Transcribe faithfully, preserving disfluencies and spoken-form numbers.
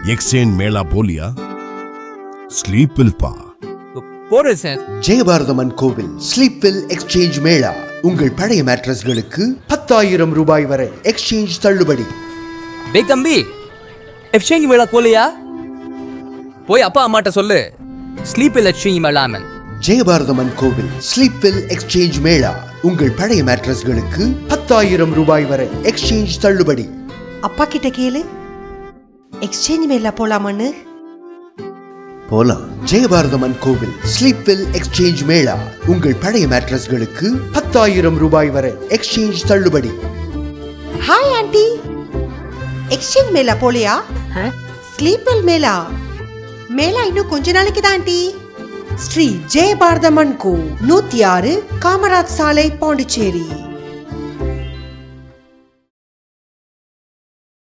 Exchange Mela போலியா? ஸ்லீப்பில் பா போறேன் சார். ஜெயபாரதமன் கோவில் ஸ்லீப்பில் எக்ஸ்சேஞ்ச் மேளா. உங்கள் பழைய மேட்ரஸ்களுக்கு பத்தாயிரம் ரூபாய் வரை எக்ஸ்சேஞ்ச் தள்ளுபடி. பே தம்பி, எக்ஸ்சேஞ்ச் மேளா போலியா? போய் அப்பா அம்மாட்ட சொல்லு, ஸ்லீப்பில் எக்ஸ்சேஞ்ச் மேளாமன். ஜெயபாரதமன் கோவில் ஸ்லீப்பில் எக்ஸ்சேஞ்ச் மேளா. உங்கள் பழைய மேட்ரஸ்களுக்கு பத்தாயிரம் ரூபாய் வரை எக்ஸ்சேஞ்ச் தள்ளுபடி. அப்பா கிட்ட கேளு, எக்ஸ்சேஞ்ச் மேல போலாமான்னு. போலாம். ஜெயபாரதமன் கோவில் ஸ்லீப்பில் எக்ஸ்சேஞ்ச் மேளா. உங்கள் பழைய மேட்ரஸ்களுக்கு பத்தாயிரம் ரூபாய் வரை எக்ஸ்சேஞ்ச் தள்ளுபடி. ஹாய் ஆண்டி, எக்ஸ்சேஞ்ச் மேல போலியா? ஸ்லீப்பில் மேலா மேலா இன்னும் கொஞ்ச நாளைக்கு தான் ஆண்டி. ஸ்ரீ ஜெயபாரதமன் கோ, நூத்தி ஆறு காமராஜ் சாலை, பாண்டிச்சேரி.